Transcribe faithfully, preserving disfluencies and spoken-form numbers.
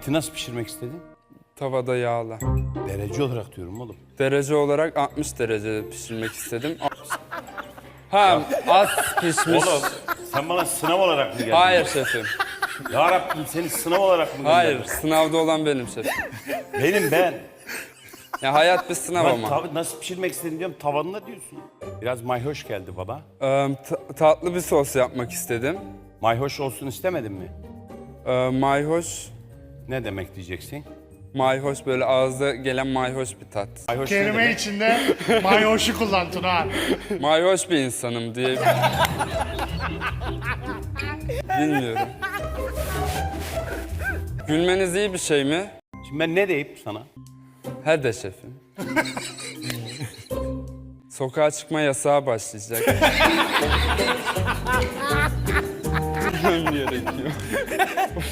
Eti nasıl pişirmek istedin? Tavada yağla. Derece olarak diyorum oğlum. Derece olarak altmış derecede pişirmek istedim. Ha, az pişmiş. Oğlum sen bana sınav olarak mı geldin? Hayır şefim. Ya Rabbim seni sınav olarak mı gönderdin? Hayır, sınavda olan benim şefim. Benim ben. Ya hayat bir sınav Ben ama. tav- nasıl pişirmek istedin diyorum, tavanına diyorsun. Biraz mayhoş geldi bana. Ee, ta- tatlı bir sos yapmak istedim. Mayhoş olsun istemedin mi? Ee, mayhoş, Ne demek diyeceksin? mayhoş böyle ağızda gelen mayhoş bir tat. Mayhoş ne Kelime demek? içinde mayoşu kullan Tuna. Mayhoş bir insanım diye. Bilmiyorum. Gülmeniz iyi bir şey mi? Şimdi ben ne deyip sana? He de şefim. Sokağa çıkma yasağı başlayacak. Gülmem gerekiyor.